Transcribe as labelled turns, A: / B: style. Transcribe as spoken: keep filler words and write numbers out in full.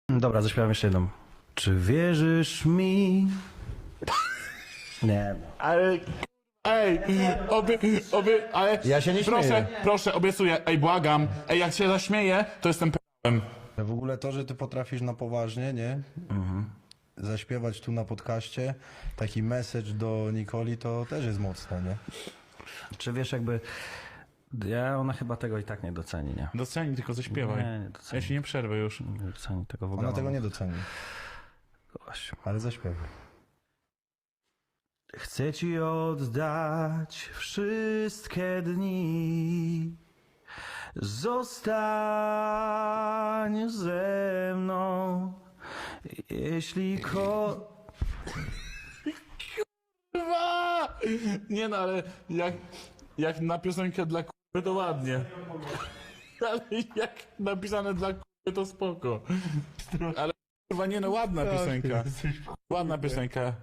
A: Dobra, zaśpiewam jeszcze jedną. Czy wierzysz mi? Nie.
B: Ale... Ej, obie, obie, ale...
C: Ja się nie
B: proszę,
C: śmieję.
B: proszę, obiecuję, ej, błagam. Ej, jak się zaśmieję, to jestem p***em.
C: W ogóle to, że ty potrafisz na poważnie, nie? Zaśpiewać tu na podcaście, taki message do Nikoli, to też jest mocne, nie?
A: Czy wiesz jakby... Ja, ona chyba tego i tak nie doceni, nie?
B: Doceni, tylko zaśpiewaj.
A: Nie, nie doceni.
B: Ja się nie przerwę już.
A: Nie doceni tego w ogóle.
C: Ona tego nie doceni,
A: Gościu.
C: ale zaśpiewaj.
A: Chcę ci oddać wszystkie dni. Zostań ze mną. Jeśli ko...
B: Kurwa! Nie no, ale jak, jak na piosenkę dla k***y to ładnie. Ale jak napisane dla k***y to spoko. Ale kurwa nie no, ładna piosenka. Ładna piosenka.